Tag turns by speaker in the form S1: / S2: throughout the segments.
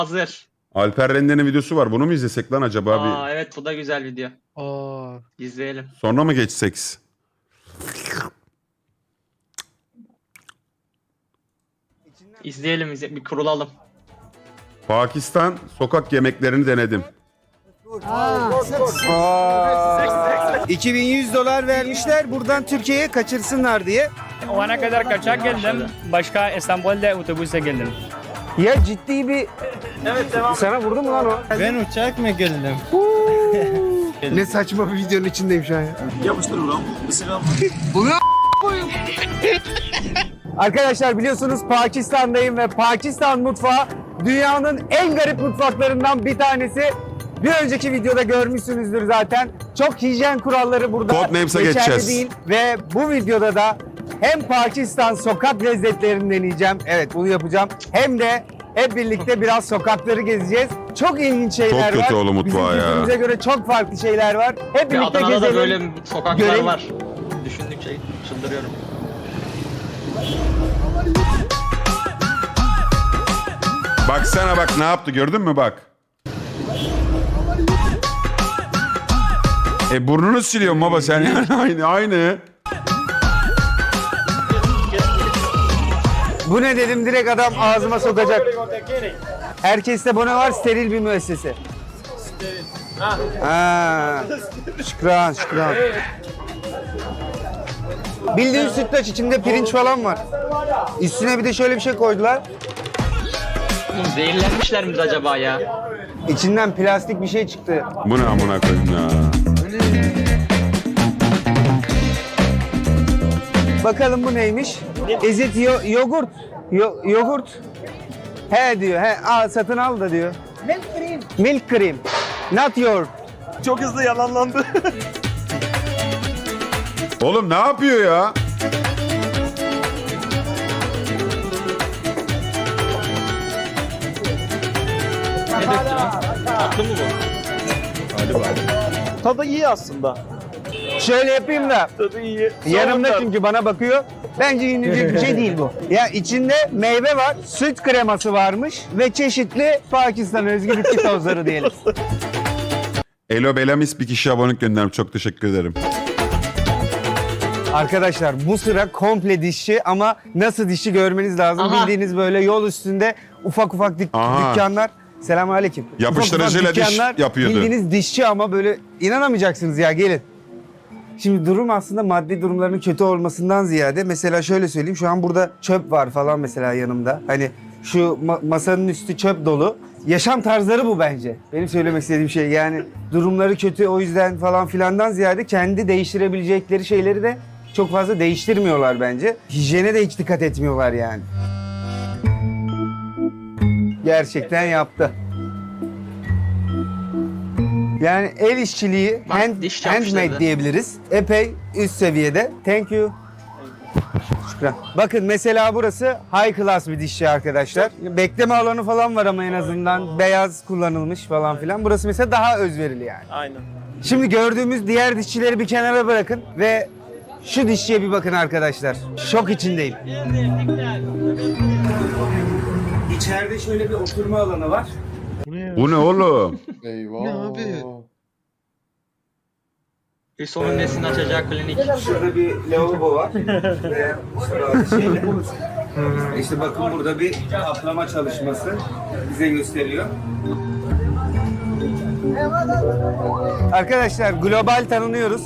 S1: Hazır.
S2: Alper Rende'nin videosu var. Bunu mu izlesek lan acaba?
S1: Aa evet, bu da güzel video.
S3: Aa.
S1: İzleyelim.
S2: Sonra mı geçsek?
S1: İzleyelim, bir kurulalım.
S2: Pakistan sokak yemeklerini denedim.
S4: 2100 dolar vermişler buradan Türkiye'ye kaçırsınlar diye.
S5: O ana kadar kaçak geldim. Başka İstanbul'da otobüse geldim.
S4: Ya ciddi bir... Evet devam. Sana vurdu mu lan o?
S3: Ben uçak mı geldim?
S4: Ne saçma bir videonun içindeyim şu an ya.
S6: Yapıştır ulan. Mesela
S4: Arkadaşlar biliyorsunuz Pakistan'dayım ve Pakistan mutfağı dünyanın en garip mutfaklarından bir tanesi. Bir önceki videoda görmüşsünüzdür zaten. Çok hijyen kuralları burada
S2: Codenames'a
S4: geçerli
S2: geçeceğiz.
S4: değil. Ve bu videoda da hem Pakistan sokak lezzetlerini deneyeceğim. Evet bunu yapacağım. Hem de hep birlikte biraz sokakları gezeceğiz. Çok ilginç şeyler var.
S2: Çok kötü oğlum mutfağı
S4: Bizim
S2: ya.
S4: kültürümüze göre çok farklı şeyler var. Hep
S1: Ve
S4: birlikte
S1: Adana'da
S4: gezelim.
S1: da böyle sokaklar
S4: görelim.
S1: var. Düşündükçe çıldırıyorum.
S2: Baksana bak ne yaptı gördün mü bak. Burnunu siliyorsun baba sen yani aynı.
S4: Bu ne dedim direkt adam ağzıma sokacak. Herkeste bu ne var? Steril bir müessese. Ha. Şükran, şükran. Bildiğin sütlaç içinde pirinç falan var. Üstüne bir de şöyle bir şey koydular.
S1: Oğlum zehirlenmişler mi acaba ya?
S4: İçinden plastik bir şey çıktı.
S2: Bu ne amına koyayım ya.
S4: Bakalım bu neymiş? Is it yogurt? Yogurt. He diyor. He al satın al da diyor. Milk cream. Milk cream. Not your.
S6: çok hızlı yalanlandı.
S2: Oğlum ne yapıyor ya?
S1: Ne döktü lan? Tatlı mı bu?
S6: Tadı iyi aslında.
S4: Şöyle yapayım da.
S6: Tadı iyi.
S4: Yanımda çünkü bana bakıyor. Bence yenilecek bir şey değil bu. Ya içinde meyve var, süt kreması varmış ve çeşitli Pakistan özgü bitki tozları diyelim.
S2: Elo Belamis bir kişi abonelik göndermiş. Çok teşekkür ederim.
S4: Arkadaşlar bu sıra komple dişçi ama nasıl dişçi görmeniz lazım.
S1: Aha.
S4: Bildiğiniz böyle yol üstünde ufak ufak
S2: Aha.
S4: dükkanlar. Selamünaleyküm.
S2: Yapıştırıcıyla
S4: Ufak ufak
S2: diş
S4: dükkanlar,
S2: yapıyordu.
S4: Bildiğiniz dişçi ama böyle inanamayacaksınız ya gelin. Şimdi durum aslında maddi durumlarının kötü olmasından ziyade mesela şöyle söyleyeyim şu an burada çöp var falan mesela yanımda. Hani şu masanın üstü çöp dolu. Yaşam tarzları bu bence. Benim söylemek istediğim şey yani durumları kötü o yüzden falan filandan ziyade kendi değiştirebilecekleri şeyleri de çok fazla değiştirmiyorlar bence. Hijyene de hiç dikkat etmiyorlar yani. Gerçekten yaptı. Yani el işçiliği,
S1: Bak, diş yapmışlar
S4: handmade
S1: da.
S4: diyebiliriz. Epey üst seviyede. Thank you. Şükran. Bakın mesela burası high class bir dişçi arkadaşlar. Bekleme alanı falan var ama en azından beyaz kullanılmış falan filan. Burası mesela daha özverili yani.
S6: Aynen.
S4: Şimdi gördüğümüz diğer dişçileri bir kenara bırakın ve şu dişçiye bir bakın arkadaşlar. Şok içindeyim. İçeride şöyle bir oturma alanı var.
S2: Bu ne oğlum?
S3: Ne abi?
S1: Hüsnü'nün nesini açacağı klinik.
S4: Şurada bir lavabo var. Ve şeyle, işte bakın burada bir kaplama çalışması bize gösteriyor. Arkadaşlar global tanınıyoruz.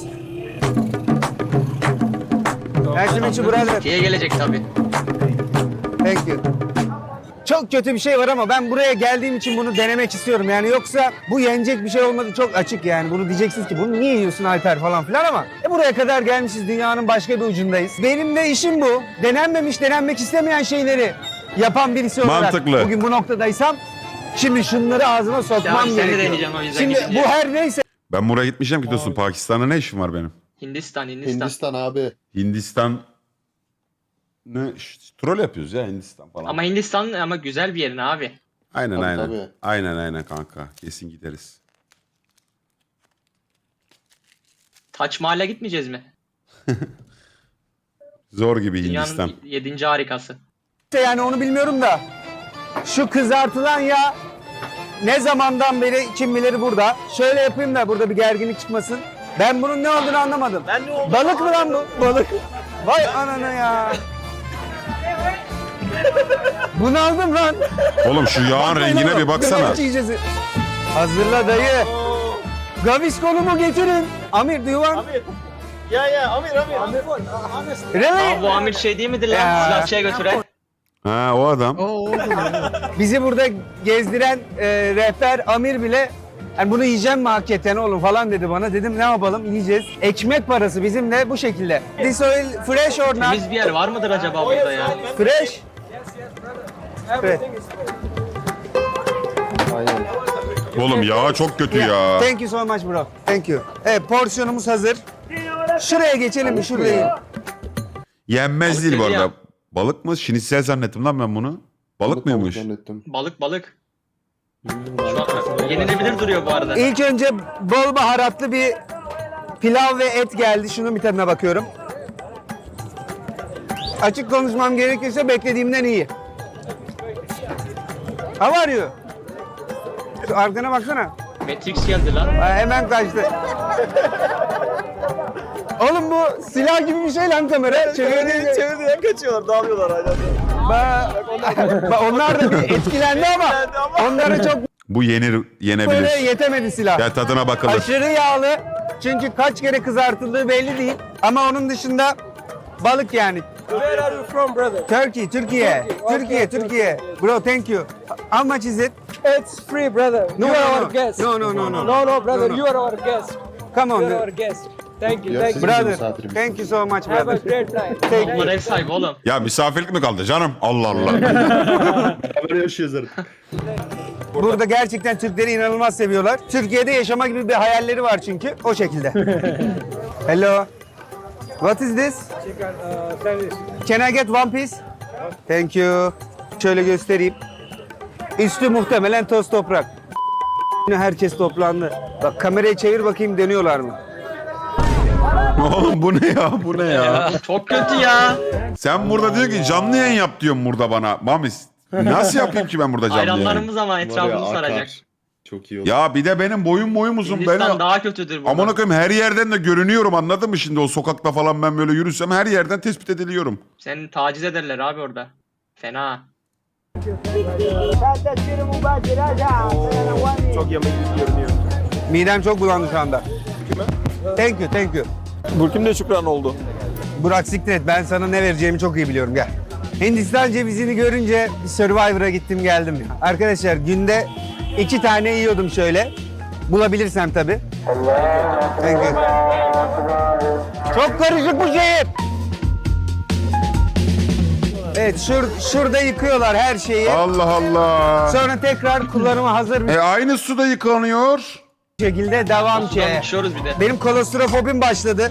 S4: Nice to meet you brother.
S1: Türkiye'ye gelecek tabii.
S4: Thank you. Çok kötü bir şey var ama ben buraya geldiğim için bunu denemek istiyorum. Yani yoksa bu yenecek bir şey olmadı çok açık yani. Bunu diyeceksiniz ki bunu niye yiyorsun Alper falan filan ama buraya kadar gelmişiz dünyanın başka bir ucundayız. Benim de işim bu. Denenmemiş, denenmek istemeyen şeyleri yapan birisi olarak
S2: Mantıklı.
S4: bugün bu noktadaysam şimdi şunları ağzıma sokmam
S1: Ya, seni
S4: gerekiyor.
S1: deneyeceğim o yüzden
S4: Şimdi
S1: gidince.
S4: bu her neyse.
S2: Ben buraya gitmeyeceğim ki dostum. Pakistan'da ne işim var benim?
S1: Hindistan.
S3: Hindistan abi.
S2: Hindistan ne troll yapıyoruz ya Hindistan falan.
S1: Ama Hindistan ama güzel bir yerin abi.
S2: Aynen
S3: Tabii,
S2: aynen.
S3: tabii.
S2: Aynen kanka. Kesin gideriz.
S1: Taç Mahal'e gitmeyeceğiz mi?
S2: Zor gibi Hindistan.
S1: Dünyanın 7. harikası.
S4: Yani onu bilmiyorum da şu kızartılan yağ ne zamandan beri kim bilir burada. Şöyle yapayım da burada bir gerginlik çıkmasın. Ben bunun ne olduğunu anlamadım.
S6: Ben ne oldu?
S4: Balık mı lan bu? Balık. Vay anana ya. Bunu aldım lan.
S2: Oğlum şu yağın rengine bir baksana.
S4: Gravaç yiyeceğiz. Hazırla dayı. Gavisconumu getirin. Amir do you want?
S6: Amir. Ya Amir.
S4: Really?
S1: Aa, bu Amir şey değil midir lan?
S4: Ya.
S1: Silahçıya götüren.
S2: Ha o adam.
S4: Bizi burada gezdiren rehber Amir bile yani bunu yiyeceğim mi hakikaten oğlum falan dedi bana. Dedim ne yapalım yiyeceğiz. Ekmek parası bizimle bu şekilde. This oil fresh or not?
S1: Temiz bir yer var mıdır acaba burada ya?
S4: Fresh. Fresh.
S2: Oğlum yağı çok kötü ya.
S4: Thank you so much bro. Thank you. Evet porsiyonumuz hazır. Şuraya geçelim mi? Şuraya.
S2: Yenmez
S1: Balık
S2: değil bu
S1: dedi ya.
S2: arada. Balık mı? Şinitsel zannettim lan ben bunu. Balık mıymış?
S3: Zannettim.
S1: Balık. Şu an yenilebilir duruyor bu arada.
S4: İlk önce bol baharatlı bir pilav ve et geldi. Şunun bir tadına bakıyorum. Açık konuşmam gerekirse beklediğimden iyi. How are you? Şu arkana baksana.
S1: Matrix geldi lan.
S4: Ha, hemen kaçtı. Oğlum bu silah gibi bir şey lan kamera.
S6: Çevirdiğinden kaçıyorlar, dağılıyorlar hala.
S4: Onlar da bir etkilendi ama onlara çok
S2: Bu
S4: böyle
S2: yenebilir.
S4: yetemedi silah.
S2: Ya tadına bakılır.
S4: Aşırı yağlı. Çünkü kaç kere kızartıldığı belli değil. Ama onun dışında balık yani.
S7: Where are you from, brother?
S4: Türkiye. Türkiye. Bro, thank you. How much is it?
S7: It's free, brother.
S4: No,
S7: You are
S4: no,
S7: our
S4: no.
S7: guest.
S4: No,
S7: brother.
S4: No.
S7: You are our guest.
S4: Come on.
S7: You are our guest. Thank you.
S3: Ya
S7: Thank
S3: siz
S7: you.
S3: bizim
S4: Brother,
S3: misafirimiz.
S4: thank you so much,
S7: Have a
S4: brother.
S7: great night.
S4: Thank you.
S1: Bunlar ev sahibi oğlum.
S2: Ya misafirlik mi kaldı canım? Allah Allah.
S6: Böyle yaşıyoruz artık.
S4: Burada gerçekten Türkleri inanılmaz seviyorlar. Türkiye'de yaşama gibi bir hayalleri var çünkü. O şekilde. Hello. What is this? Can I get one piece? Thank you. Şöyle göstereyim. Üstü muhtemelen toz toprak. Herkes toplandı. Bak kamerayı çevir bakayım dönüyorlar mı?
S2: Oğlum bu ne ya? Bu ne ya?
S1: Çok kötü ya.
S2: Sen burada diyor ki canlı yayın yap diyorsun burada bana. Mamis. Nasıl yapayım ki ben burada canlı yayın?
S1: Hayranlarımız ama
S3: Var ya,
S1: etrafımızı
S3: akar.
S1: saracak.
S3: Çok iyi oldu.
S2: Ya bir de benim boyum uzun.
S1: Hindistan
S2: Beni...
S1: daha kötüdür burada.
S2: Amına koyayım her yerden de görünüyorum anladın mı şimdi o sokakta falan ben böyle yürüsem her yerden tespit ediliyorum.
S1: Seni taciz ederler abi orada. Fena.
S6: Çok yemek görünüyor.
S4: Midem çok bulandı şu anda. Thank you.
S6: Burkim de şükran oldu.
S4: Burak siktir et. Ben sana ne vereceğimi çok iyi biliyorum. Gel. Hindistan cevizini görünce bir Survivor'a gittim geldim ya. Arkadaşlar günde 2 tane yiyordum şöyle. Bulabilirsem tabii. Thank you. Çok karışık bu şehir. Evet şurada yıkıyorlar her şeyi.
S2: Allah Allah.
S4: Sonra tekrar kullanıma hazır bir
S2: Aynı suda yıkanıyor.
S4: şekilde devam
S1: Sudan
S4: ki.
S1: düşüyoruz bir de.
S4: Benim kolostrofobim başladı.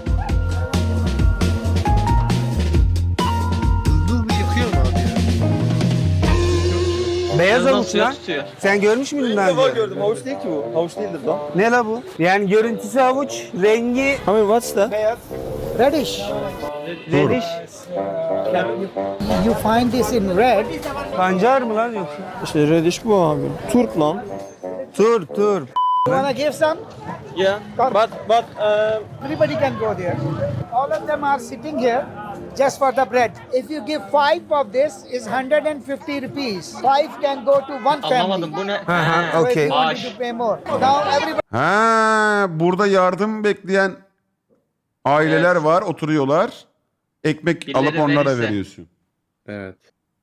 S4: Beyaz
S1: Yanından
S4: avuç
S1: suya
S4: lan.
S1: tutuyor.
S4: Sen görmüş müydün daha
S6: İlk defa
S4: önce?
S6: gördüm. Havuç değil ki bu. Havuç değildir lan.
S4: Ne la bu? Yani görüntüsü havuç, rengi
S6: Amir what's that?
S7: Reddish.
S4: reddish.
S7: You find this in red.
S4: Pancar mı lan yoksa?
S6: İşte reddish bu abi. Turp lan.
S4: Tur.
S7: You wanna give some?
S6: Yeah. But
S7: Everybody can go there. All of them are sitting here just for the bread. If you give 5 of this, is 150 rupees. 5 can go to one family.
S1: Anlamadım bu ne?
S4: ha,
S7: So if
S4: okay.
S7: you want
S1: Bağış.
S7: to pay more. Now everybody
S2: Ha, burada yardım bekleyen aileler var, oturuyorlar. Ekmek
S1: Birileri
S2: alıp onlara
S1: verirse.
S2: veriyorsun.
S3: Evet.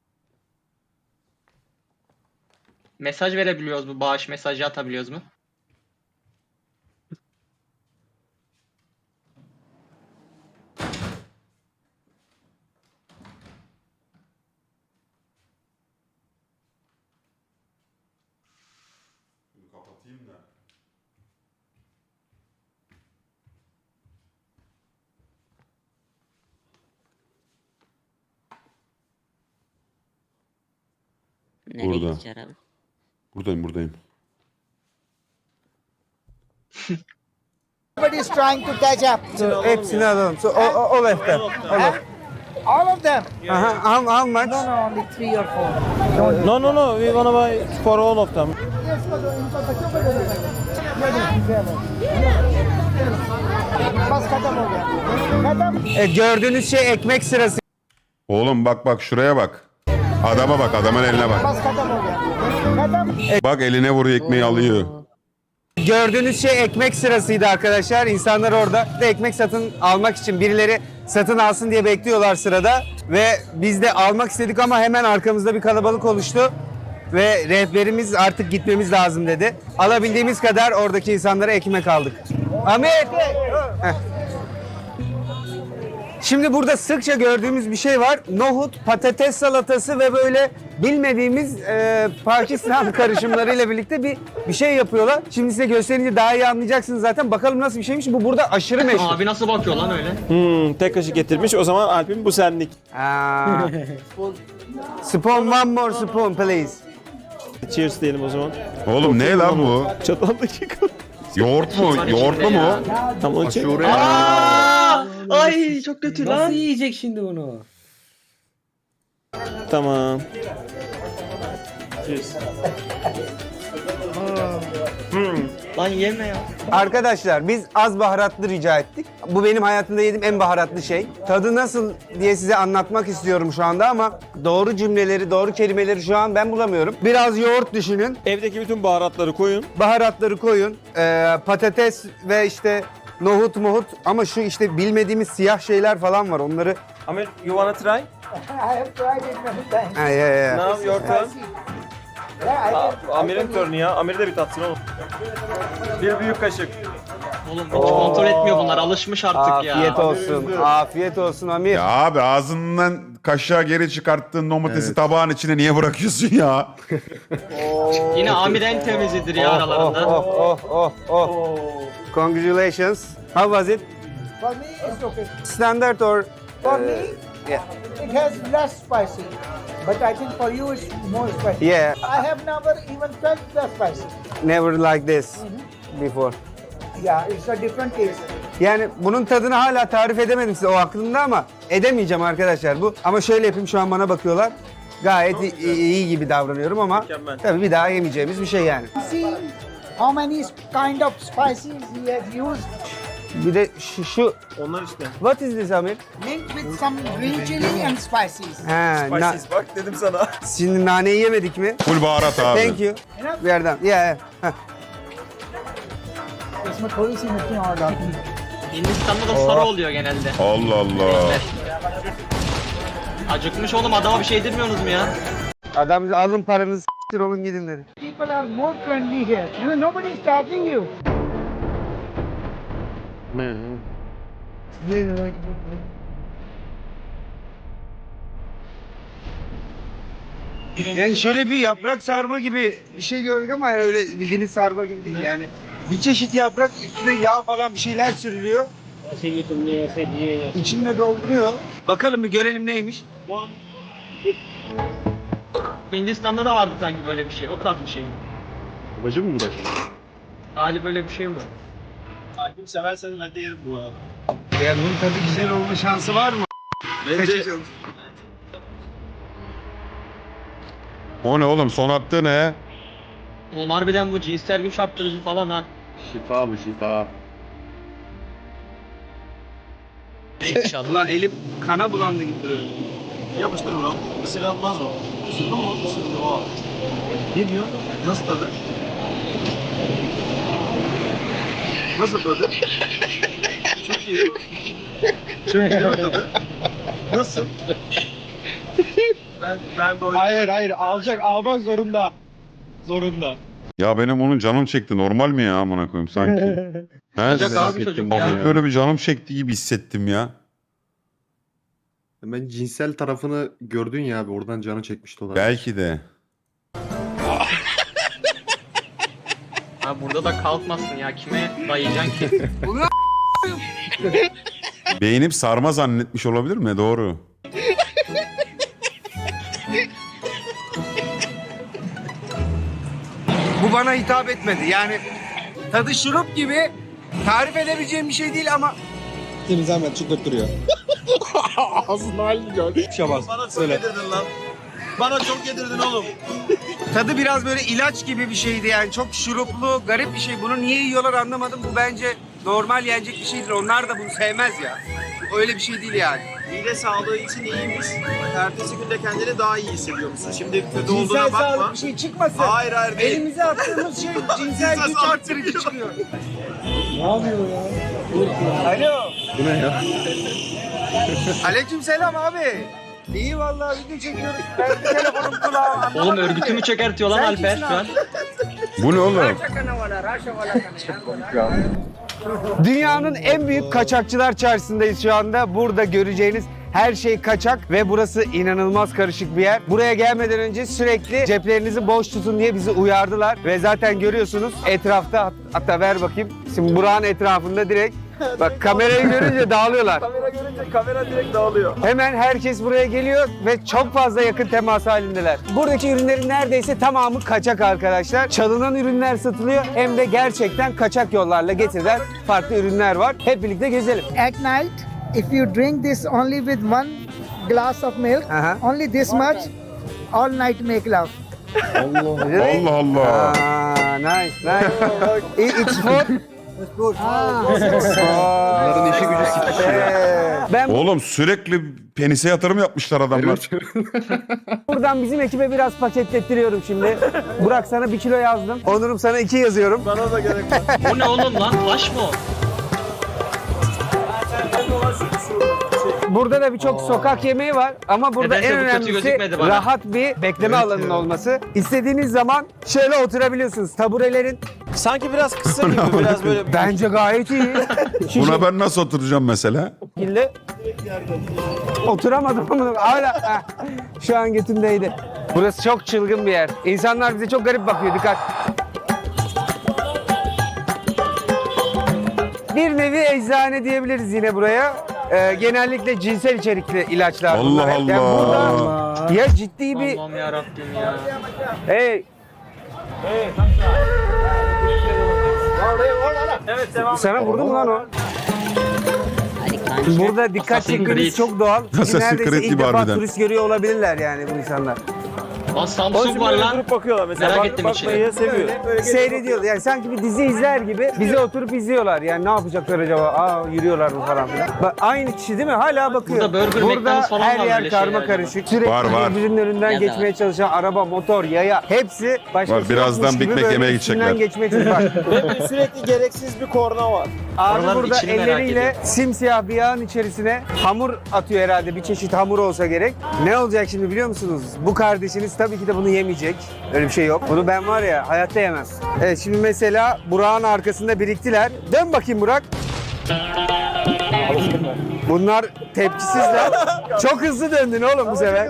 S1: Mesaj verebiliyoruz mu? Bağış mesajı atabiliyoruz mu?
S8: Nereye
S2: Burada.
S8: gideceğiz abi?
S2: Buradayım.
S7: is trying to catch up.
S4: So, hepsini alalım. So, o leften.
S7: All of them?
S4: Aha, how much?
S7: No, no, only 3 or 4.
S6: No, no, no. We wanna buy for all of them.
S7: बस खत्म हो गया खत्म
S4: Gördüğünüz şey ekmek sırası.
S2: Oğlum bak bak şuraya bak. Adama bak, adamın eline bak.
S7: बस खत्म हो गया खत्म
S2: Bak eline vuruyor, ekmeği alıyor.
S4: Gördüğünüz şey ekmek sırasıydı arkadaşlar. İnsanlar orada da ekmek satın almak için birileri satın alsın diye bekliyorlar sırada. Ve biz de almak istedik ama hemen arkamızda bir kalabalık oluştu. Ve rehberimiz artık gitmemiz lazım dedi. Alabildiğimiz kadar oradaki insanlara ekmek aldık. Ahmet! Heh. Şimdi burada sıkça gördüğümüz bir şey var. Nohut, patates salatası ve böyle bilmediğimiz Pakistan karışımlarıyla birlikte bir şey yapıyorlar. Şimdi size gösterince daha iyi anlayacaksınız zaten. Bakalım nasıl bir şeymiş. Bu burada aşırı meşhur.
S1: Abi nasıl bakıyor lan öyle?
S6: Tek kaşık getirmiş. O zaman Alp'in bu senlik.
S4: Aa. Spoon, one more spoon please.
S6: Cheers diyelim o zaman.
S2: Oğlum ne lan bu?
S6: Çataldaki
S2: Yoğurt mu? Yoğurtlu mu?
S6: Tam onun için.
S1: Ay çok kötü lan.
S3: Nasıl yiyecek şimdi bunu?
S6: Tamam. Cheers.
S1: Lan yeme ya.
S4: Arkadaşlar biz az baharatlı rica ettik. Bu benim hayatımda yediğim en baharatlı şey. Tadı nasıl diye size anlatmak istiyorum şu anda ama doğru cümleleri, doğru kelimeleri şu an ben bulamıyorum. Biraz yoğurt düşünün.
S6: Evdeki bütün baharatları koyun.
S4: Baharatları koyun. Patates ve işte nohut ama şu işte bilmediğimiz siyah şeyler falan var. Onları...
S6: Amir, you wanna try?
S7: I have tried it many times.
S4: Yeah.
S6: Now your turn.
S7: Yeah, I can.
S6: Amir'in turnu ya. Amir de bir tatsın oğlum. Bir büyük kaşık.
S1: Oğlum hiç kontrol etmiyor bunlar. Alışmış artık ya.
S4: Afiyet olsun. Afiyet olsun Amir.
S2: Ya abi ağzından kaşığa geri çıkarttığın domatesi tabağın içine niye bırakıyorsun ya?
S1: Yine Amir en temizidir ya aralarında.
S4: Oh. Congratulations. How was it?
S7: For me, it's okay.
S4: Standard or...
S7: For me,
S4: yeah.
S7: it has less spicy. But I think for you, it's more spicy.
S4: Yeah,
S7: I have never even felt the spicy.
S4: never like this before.
S7: Yeah, it's a different taste.
S4: Yani bunun tadını hala tarif edemedim size o aklımda ama edemeyeceğim arkadaşlar bu. Ama şöyle yapayım şu an bana bakıyorlar. Gayet iyi gibi davranıyorum ama
S6: Mükemmel.
S4: tabii bir daha yemeyeceğimiz bir şey yani.
S7: See how many kind of spices he has used.
S4: Bir de şu
S6: Onlar işte.
S4: what is this Amir?
S7: Linked with some green chili and spices.
S4: Ha,
S6: Spices bak dedim sana.
S4: şimdi naneyi yemedik mi?
S2: Full baharat abi.
S4: Thank you.
S7: Enough?
S4: Bir yerden. Yeah. Heh.
S7: इसमें थोड़ी सी मिर्ची और डालती हूँ।
S1: Hindistan'da da sarı oluyor genelde.
S2: Allah Allah.
S1: Acıkmış oğlum, adama bir şey yedirmiyorsunuz mu ya?
S4: Adam alın paranızı s**tir olun gidin dedi.
S7: People are more friendly here. You know, nobody is charging you.
S4: Yani şöyle bir yaprak sarma gibi bir şey gördük ama öyle bildiğiniz sarma gibi değil yani. Bir çeşit yaprak üstüne yağ falan bir şeyler sürülüyor. İçinde dolduruyor. Bakalım bir görelim neymiş.
S1: Hindistan'da da vardı sanki böyle bir şey. O tarz bir şey.
S3: Babacım mı uğraşıyor?
S1: Ali böyle bir şey mi?
S6: Alp'im seversen ben de yerim bu arada.
S4: Yani bunun tadı güzel olma şansı var mı?
S6: Bence
S2: O ne oğlum, son attığı ne?
S1: Oğlum harbiden bu cinsel güç arttırıcı falan ha.
S3: Şifa bu şifa.
S4: İnşallah elim kana bulandı gibi duruyor.
S6: yapıştır bro. Mısır almaz o. Mısırlı mı? Mısırlı o. Ne diyor? Nasıl tadı? Nasıl tadı? Çok iyi. Çok iyi tadı. Nasıl? Ben böyle...
S3: Hayır almak zorunda. Zorunda.
S2: Ya benim onun canım çekti. Normal mi ya amına koyayım sanki? He?
S1: Sıcak abi çocuk ya.
S2: Hafif böyle bir canım çekti gibi hissettim ya.
S3: Ben cinsel tarafını gördün ya abi, oradan canı çekmişti olabilir.
S2: Belki de.
S1: Ha burada da kalkmasın ya. Kime dayayacaksın ki?
S2: Beğenip sarma zannetmiş olabilir mi? Doğru.
S4: Bu bana hitap etmedi. Yani tadı şurup gibi tarif edebileceğim bir şey değil ama
S3: Seni zahmet çıldırtıyor. Ağzının halini gör. Şabaz.
S6: Bana çok yedirdin lan. Bana çok yedirdin oğlum.
S4: Tadı biraz böyle ilaç gibi bir şeydi yani. Çok şuruplu, garip bir şey. Bunu niye yiyorlar anlamadım. Bu bence normal yenecek bir şeydir. Onlar da bunu sevmez ya. Öyle bir şey değil yani.
S6: Mide sağlığı için iyiymiş. Ertesi günde kendini daha iyi hissediyor musun? Şimdi kötü
S7: Cinsel
S6: olduğuna bakma.
S7: sağlık bir şey çıkmasın.
S6: Hayır hayır değil.
S7: Elimize attığımız şey cinsel güç
S6: sağlık
S7: arttırıcı çıkıyor.
S3: Bu ne ya?
S4: Aleykümselam abi. İyi vallahi video çekiyoruz. Ben bir telefonum kulağım.
S1: Oğlum örgütü mü çökertiyor lan
S4: Sen
S1: Alper
S4: kimsin
S1: şu an?
S2: Bu ne oğlum?
S4: Dünyanın en büyük kaçakçılar çarşısındayız şu anda. Burada göreceğiniz her şey kaçak ve burası inanılmaz karışık bir yer. Buraya gelmeden önce sürekli ceplerinizi boş tutun diye bizi uyardılar. Ve zaten görüyorsunuz etrafta, hatta ver bakayım. Şimdi Burak'ın etrafında direkt bak kamerayı görünce dağılıyorlar.
S6: Kamera görünce kamera direkt dağılıyor.
S4: Hemen herkes buraya geliyor ve çok fazla yakın temas halindeler. Buradaki ürünlerin neredeyse tamamı kaçak arkadaşlar. Çalınan ürünler satılıyor hem de gerçekten kaçak yollarla getirilen farklı ürünler var. Hep birlikte gezelim.
S7: At night, if you drink this only with one glass of milk, only this much, all night make love.
S2: Allah Allah.
S4: Nice, nice. It's food.
S3: Bunların işi gücü sikişiyor.
S4: Ben
S2: Oğlum sürekli penise yatırım yapmışlar adamlar.
S4: buradan bizim ekibe biraz paketlettiriyorum şimdi. Burak sana 1 kilo yazdım. Onur'um sana 2 yazıyorum.
S6: Bana da gerek var.
S1: Bu ne oğlum lan? Taş mı o?
S4: Burada da birçok sokak yemeği var ama burada
S1: Nedense
S4: en
S1: bu kötü
S4: önemlisi
S1: gözükmedi bana.
S4: rahat bir bekleme alanının olması. İstediğiniz zaman şöyle oturabiliyorsunuz. Taburelerin
S6: Sanki biraz kısa gibi biraz böyle.
S4: bence gayet iyi. Şu
S2: Buna ben nasıl oturacağım mesela?
S4: şekilde oturamadım ama hala heh, şu an götümdeydi. Burası çok çılgın bir yer. İnsanlar bize çok garip bakıyor. Dikkat. Bir nevi eczane diyebiliriz yine buraya. Genellikle cinsel içerikli ilaçlar
S2: Allah
S4: bunlar. Yani
S2: Allah.
S4: burada ya ciddi bir
S1: Allah'ım yarabbim ya.
S4: hey
S6: Evet devam.
S4: sana vurdu mu lan o? Burada dikkat
S1: Assassin's
S4: çekmeniz
S1: Creed.
S4: çok doğal. Çünkü
S2: Assassin's
S4: neredeyse
S2: Creed
S4: ilk
S2: gibi
S4: defa
S2: harbiden.
S4: turist görüyor olabilirler yani bu insanlar.
S1: Lan Samsung var lan.
S6: Durup bakıyorlar mesela.
S1: Merak ettim
S6: Bakmayı seviyor.
S4: Seyrediyorlar. Yani sanki bir dizi izler gibi bize oturup izliyorlar. Yani ne yapacaklar acaba? Aa yürüyorlar mı falan filan. Bak, aynı kişi değil mi? Hala bakıyor.
S1: Burada Burger,
S4: Burada
S1: McDonald's falan
S4: her
S1: var
S4: yer
S1: böyle
S4: karma
S1: şeyler
S4: karışık. Sürekli
S2: Var, var.
S4: birbirinin önünden
S1: Ya da
S4: geçmeye çalışan araba, motor, yaya hepsi başka
S2: Var, birazdan Big Mac yemeye gidecekler.
S4: geçmeye çalışıyor. Bak,
S6: Sürekli gereksiz bir korna var.
S4: abi
S1: Oraların
S4: burada
S1: içini merak
S4: elleriyle
S1: ediyorum.
S4: simsiyah bir yağın içerisine hamur atıyor herhalde. Bir çeşit hamur olsa gerek. Ne olacak şimdi biliyor musunuz? Bu kardeşiniz tabii ki de bunu yemeyecek. Öyle bir şey yok. Bunu ben var ya hayatta yemem. Evet şimdi mesela Burak'ın arkasında biriktiler. Dön bakayım Burak. Bunlar tepkisizler. Çok hızlı döndün oğlum bu sefer.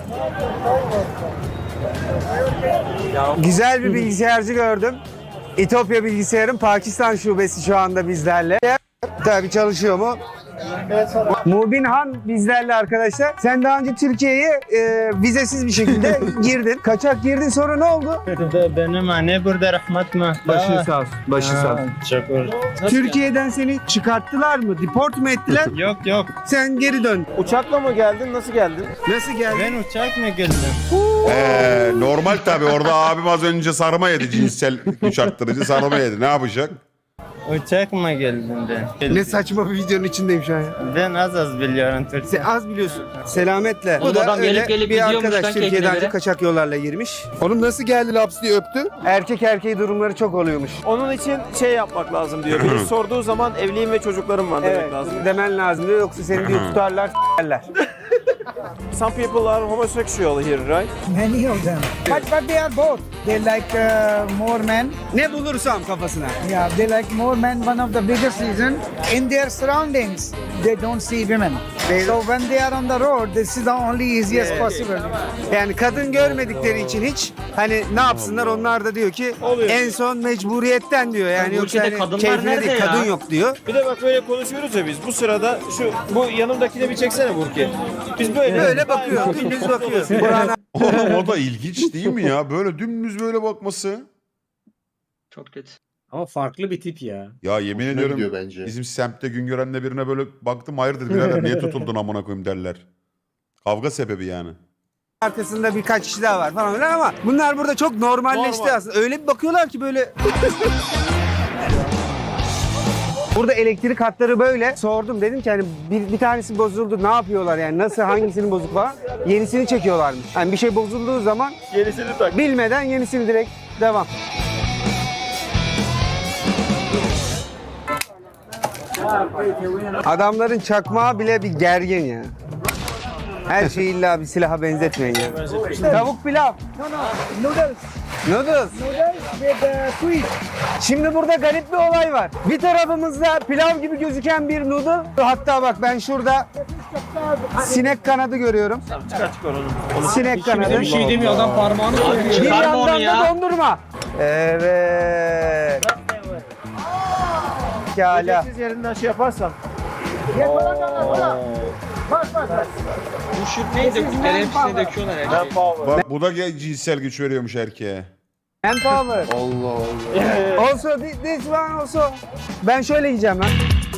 S4: Güzel bir bilgisayarcı gördüm. İtopya Bilgisayar'ın Pakistan şubesi şu anda bizlerle. Tabii çalışıyor mu? Mubin Han bizlerle arkadaşlar. Sen daha önce Türkiye'ye vizesiz bir şekilde girdin. Kaçak girdin sonra ne oldu?
S8: Benim anne burada rahmet mi?
S4: Başın sağ olsun. Başın sağ olsun.
S8: Şükür.
S4: Türkiye'den seni çıkarttılar mı? Deport mu ettiler?
S8: Yok.
S4: Sen geri dön.
S6: Uçakla mı geldin? Nasıl geldin?
S4: Nasıl geldin?
S8: Ben uçak mı geldim?
S2: Normal tabii orada abim az önce sarma yedi, cinsel güç arttırıcı sarma yedi. Ne yapacak?
S8: Uçak mı geldim ben?
S4: Ne saçma bir videonun içindeyim şu an ya.
S8: Ben az biliyorum Türkçe.
S4: Sen az biliyorsun. Selametle.
S1: Oğlum
S4: Bu da
S1: adam
S4: öyle
S1: gelip gelip
S4: bir
S1: gidiyormuş
S4: arkadaş
S1: lan
S4: Türkiye'den önce
S1: teknelere.
S4: kaçak yollarla girmiş. Oğlum nasıl geldi laps diye öptü? Erkek erkeği durumları çok oluyormuş.
S6: Onun için şey yapmak lazım diyor. Biri sorduğu zaman evliyim ve çocuklarım var demek
S4: Evet,
S6: lazım.
S4: demen lazım diyor yoksa seni diyor tutarlar s**erler.
S6: Some people are homosexual here, right?
S7: Many of them. But they are both. They like more men.
S4: Ne bulursam kafasına.
S7: Yeah, they like more men. One of the biggest reason in their surroundings, they don't see women. So when they are on the road, this is the only easiest possible.
S4: Yani kadın görmedikleri için hiç hani ne yapsınlar onlar da diyor ki en son mecburiyetten diyor yani
S1: Bu
S4: yoksa
S1: ülkede
S4: hani
S1: kadınlar
S4: keyfine
S1: nerede
S4: değil
S1: ya?
S4: kadın yok diyor.
S6: Bir de bak böyle konuşuyoruz ya biz. Bu sırada bu yanımdakine bir çeksene Burki. Biz böyle
S4: Böyle bakıyor, gündüz bakıyor. Burak'ın
S2: Oğlum o da ilginç değil mi ya? Böyle dümdüz böyle bakması.
S1: Çok kötü.
S9: Ama farklı bir tip ya.
S2: Ya yemin
S3: Hoşuna
S2: ediyorum
S3: gidiyor bence.
S2: bizim semtte Güngören'le birine böyle baktım hayırdır birader niye tutuldun amına koyayım derler. Kavga sebebi yani.
S4: Arkasında birkaç kişi daha var falan filan ama bunlar burada çok normalleşti aslında. Öyle bir bakıyorlar ki böyle. Burada elektrik hatları böyle. Sordum dedim ki hani bir tanesi bozuldu ne yapıyorlar yani nasıl hangisinin bozuk falan. Yenisini çekiyorlarmış. Yani bir şey bozulduğu zaman
S8: Yenisini tak.
S4: bilmeden yenisini direkt devam. Adamların çakmağı bile bir gergin ya. Her şeyi illa bir silaha benzetmeyin ya. Tavuk pilav.
S7: No, no, noodles.
S4: Noodles.
S7: Noodles with sweet.
S4: Şimdi burada garip bir olay var. Bir tarafımızda pilav gibi gözüken bir noodle. Hatta bak ben şurada sinek kanadı görüyorum. Sinek kanadı.
S9: Bir şey demiyor adam parmağını koyuyor.
S4: Bir
S1: Çıkarma onu
S4: yandan
S1: ya.
S4: da dondurma. Evet. Pekala.
S8: Yerinden şey yaparsan.
S1: Bu şut neydi? Kutları hepsini döküyorlar her şeyi.
S2: Bak bu da cinsel güç veriyormuş erkeğe.
S4: Manpower.
S3: Allah Allah.
S4: Also this one also. Ben şöyle yiyeceğim lan.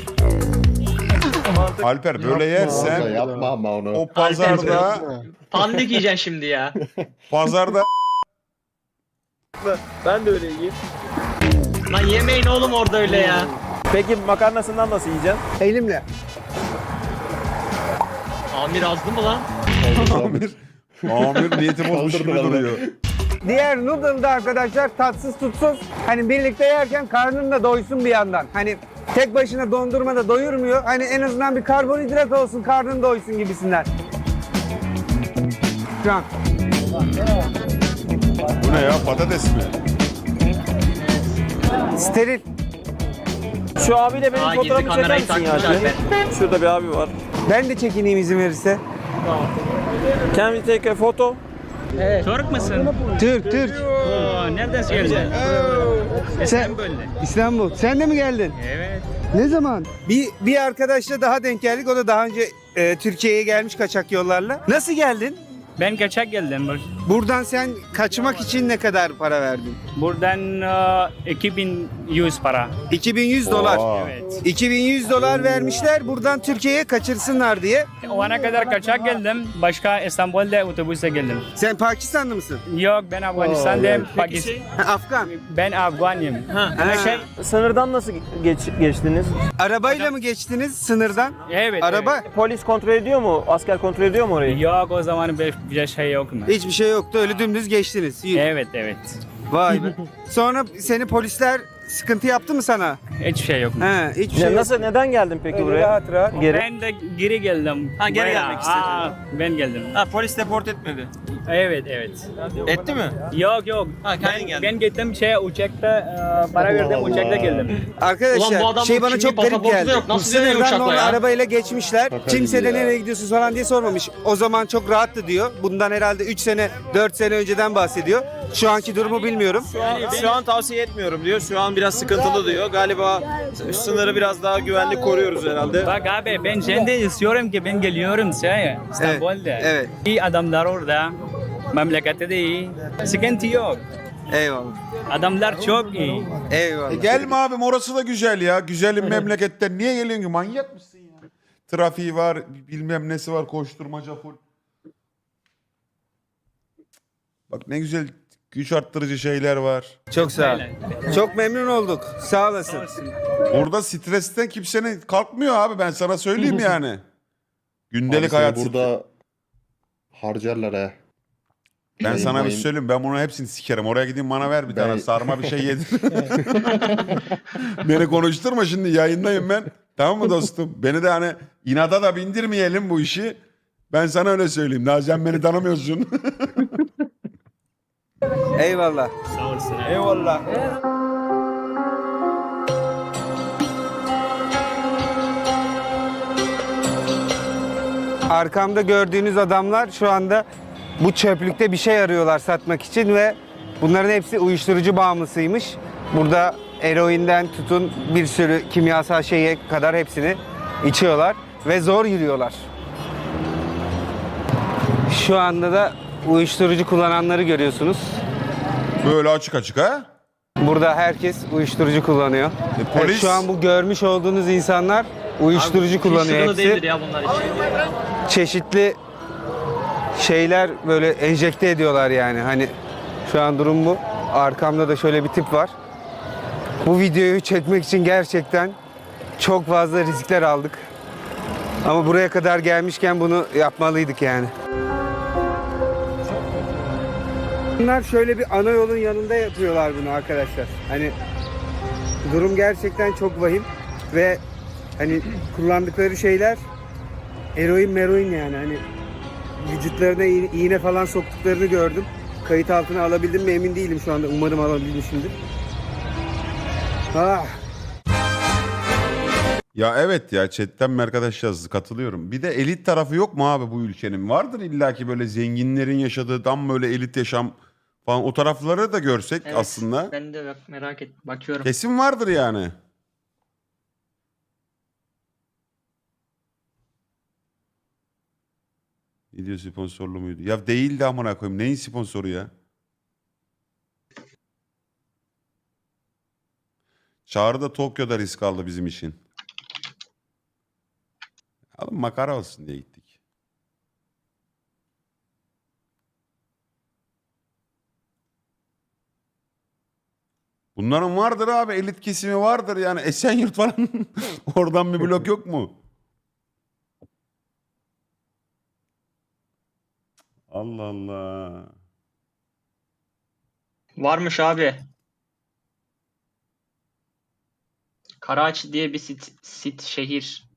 S2: Alper böyle
S3: Yapma
S2: yersen
S3: yapma ama onu.
S2: o pazarda
S1: Pandik yiyeceksin şimdi ya.
S2: pazarda
S8: Ben de öyle yiyeyim.
S1: Lan yemeyin oğlum orada öyle ya.
S8: Peki makarnasından nasıl yiyeceksin?
S4: Elimle.
S1: Amir azdı mı lan?
S2: amir niyeti bozmuş gibi
S3: Kaldırdılar
S2: duruyor.
S4: Diğer noodle'da arkadaşlar tatsız tutsuz. Hani birlikte yerken karnın da doysun bir yandan. Hani tek başına dondurma da doyurmuyor. Hani en azından bir karbonhidrat olsun, karnın doysun gibisinden. Şu an.
S2: Bu ne ya patates mi?
S4: Steril.
S8: Şu abiyle benim
S1: Aa, gizli
S8: fotoğrafımı çeker
S1: kamerayı
S8: misin ya?
S1: takmış Alper.
S8: Şurada bir abi var.
S4: Ben de çekineyim izin verirse.
S8: Can we take a photo?
S5: Türk müsün?
S4: Türk, Türk.
S5: Oo, nereden geldin?
S4: İstanbul. Sen de mi geldin?
S5: Evet.
S4: Ne zaman? Bir arkadaşla daha denk geldik. O da daha önce Türkiye'ye gelmiş kaçak yollarla. Nasıl geldin?
S5: Ben kaçak geldim.
S4: Buradan sen kaçmak için ne kadar para verdin?
S5: Buradan 2100 para.
S4: 2100 dolar.
S2: Oha.
S5: Evet.
S4: 2100 dolar vermişler buradan Türkiye'ye kaçırsınlar diye.
S5: O ana kadar kaçak geldim. Başka İstanbul'da otobüse geldim.
S4: Sen Pakistanlı mısın?
S5: Yok ben Afganistan'dayım.
S4: Afgan.
S5: Ben Afganıyım.
S4: Ha.
S8: Sınırdan nasıl geçtiniz?
S4: Arabayla mı geçtiniz sınırdan?
S5: Evet.
S4: Araba?
S5: evet.
S8: Polis kontrol ediyor mu? Asker kontrol ediyor mu orayı?
S5: Yok o zaman bir şey yok mu?
S4: Hiçbir şey yoktu öyle dümdüz geçtiniz. İyi.
S5: Evet evet.
S4: Vay be. Sonra seni polisler sıkıntı yaptı mı sana?
S5: Hiçbir şey yok mu?
S4: He, hiçbir şey yok.
S8: Nasıl neden geldin peki
S4: Öyle
S8: buraya?
S4: rahat rahat.
S8: Geri.
S5: Ben de geri geldim.
S8: Ha, geri
S5: Buraya.
S8: gelmek istedin.
S5: Ben geldim.
S8: Ha polis deport etmedi.
S5: Evet evet.
S8: Etti mi?
S5: Yok yok.
S8: Ha, kendin geldin.
S5: Ben gittim uçakta para verdim uçakta geldim.
S4: Arkadaşlar
S1: Ulan bu adamın
S4: şey bana
S1: kimliği,
S4: çok garip
S1: pasaportu da
S4: geldi.
S1: yok. Nasıl dönüyor
S4: Sınırdan
S1: uçakla
S4: normal
S1: ya?
S4: arabayla geçmişler.
S3: Şaka
S4: Kimse
S3: gibi
S4: de
S3: ya.
S4: nereye gidiyorsun falan diye sormamış. O zaman çok rahattı diyor. Bundan herhalde 3 sene 4 sene önceden bahsediyor. Şu anki durumu bilmiyorum.
S8: Şu an tavsiye etmiyorum diyor. Şu an biraz sıkıntılı diyor. Galiba sınırı biraz daha güvenli koruyoruz herhalde.
S5: Bak abi ben şimdi istiyorum ki ben geliyorum İstanbul'da.
S4: evet.
S5: İyi adamlar orada. Memlekette de iyi. Sıkıntı yok.
S4: Eyvallah.
S5: Adamlar çok iyi.
S4: Eyvallah.
S2: Gelme abim orası da güzel ya. Güzelim memleketten niye geliyorsun ki manyak mısın ya? Trafiği var bilmem nesi var koşturmaca full. Bak ne güzel güç arttırıcı şeyler var.
S4: Çok sağ ol. Çok memnun olduk. Sağ olasın.
S2: Burada stresten kimsenin kalkmıyor abi ben sana söyleyeyim yani.
S3: Abi
S2: Gündelik
S3: seni
S2: hayat
S3: burada harcarlar he.
S2: Ben sana bir
S3: Yayınlayın.
S2: söyleyeyim ben bunu hepsini sikerim. Oraya gideyim bana ver bir
S3: Ben-
S2: tane sarma bir şey yedir. Beni konuşturma şimdi yayındayım ben. Tamam mı dostum? Beni de hani inada da bindirmeyelim bu işi. Ben sana öyle söyleyeyim. Daha sen beni tanımıyorsun.
S4: Eyvallah.
S5: Sağ olasın.
S4: Eyvallah. Arkamda gördüğünüz adamlar şu anda bu çöplükte bir şey arıyorlar satmak için ve bunların hepsi uyuşturucu bağımlısıymış. Burada eroinden tutun bir sürü kimyasal şeye kadar hepsini içiyorlar ve zor yürüyorlar. Şu anda da uyuşturucu kullananları görüyorsunuz.
S2: Böyle açık açık ha?
S4: Burada herkes uyuşturucu kullanıyor.
S2: Polis
S4: Evet, şu an bu görmüş olduğunuz insanlar uyuşturucu kullanıyor
S1: Hiç
S4: hepsi.
S1: değildir ya bunlar için.
S4: Çeşitli şeyler böyle enjekte ediyorlar yani. Hani şu an durum bu. Arkamda da şöyle bir tip var. Bu videoyu çekmek için gerçekten çok fazla riskler aldık. Ama buraya kadar gelmişken bunu yapmalıydık yani. Bunlar şöyle bir ana yolun yanında yapıyorlar bunu arkadaşlar. Hani durum gerçekten çok vahim ve hani kullandıkları şeyler eroin yani hani vücutlarına iğne falan soktuklarını gördüm. Kayıt altına alabildim mi emin değilim şu anda. Umarım alabilmişimdir. Ah.
S2: Ya evet ya chatten mi arkadaş yazdı, katılıyorum. Bir de elit tarafı yok mu abi bu ülkenin? Vardır illaki böyle zenginlerin yaşadığı tam böyle elit yaşam falan, o tarafları da görsek
S1: Evet,
S2: aslında.
S1: ben de merak et bakıyorum.
S2: Kesin vardır yani. Video sponsorlu muydu? Ya değildi amına koyayım. Neyin sponsoru ya? Çağrı da Tokyo'da risk aldı bizim için. Alın makara olsun diye gittik. Bunların vardır abi, elit kesimi vardır yani. Esenyurt falan oradan bir blok yok mu? Allah Allah.
S1: Varmış abi. Karachi diye bir şehir.